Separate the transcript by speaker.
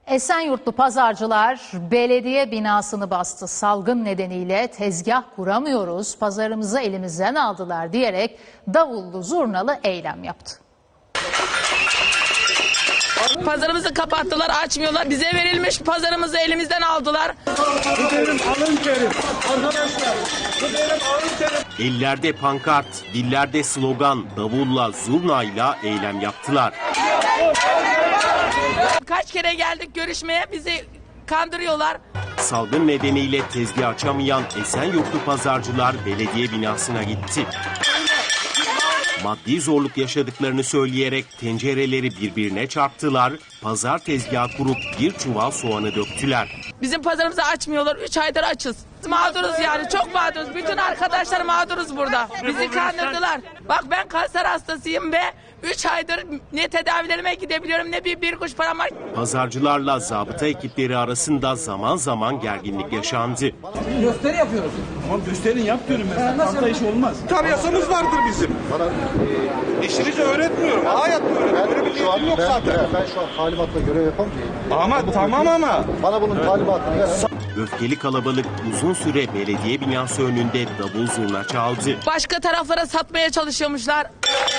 Speaker 1: Esenyurtlu pazarcılar belediye binasını bastı. Salgın nedeniyle tezgah kuramıyoruz, pazarımızı elimizden aldılar diyerek davullu zurnalı eylem yaptı.
Speaker 2: Pazarımızı kapattılar, açmıyorlar. Bize verilmiş pazarımızı elimizden aldılar.
Speaker 3: Gidelim alın terim. Arkadaşlar gidelim alın terim.
Speaker 4: Ellerde pankart, dillerde slogan, davulla, zurnayla eylem yaptılar.
Speaker 2: Kaç kere geldik görüşmeye, bizi kandırıyorlar.
Speaker 4: Salgın nedeniyle tezgah açamayan Esenyurtlu pazarcılar belediye binasına gitti. Maddi zorluk yaşadıklarını söyleyerek tencereleri birbirine çarptılar, pazar tezgahı kurup bir çuval soğanı döktüler.
Speaker 2: Bizim pazarımızı açmıyorlar, 3 aydır açız. Mağduruz yani, çok mağduruz. Bütün arkadaşlar mağduruz burada. Bizi kandırdılar. Bak ben kanser hastasıyım ve 3 aydır ne tedavilerime gidebiliyorum ne bir kuruş param var.
Speaker 4: Pazarcılarla zabıta ekipleri arasında zaman zaman gerginlik yaşandı.
Speaker 5: Gösteri yapıyoruz.
Speaker 3: Ama gösterin yap diyorum ben. Hafta iş olmaz. Tabii yasamız vardır bizim. İşinizi öğretmiyorum. Hayat öğretiyorum. Öyle bir şey yok zaten.
Speaker 6: Ben şu an talimatla görev yapamıyorum.
Speaker 3: Ama tamam ama.
Speaker 6: Bana bunun talimatını ver.
Speaker 4: Öfkeli kalabalık uzun süre belediye binası önünde davul zurna çaldı.
Speaker 2: Başka taraflara satmaya çalışıyormuşlar.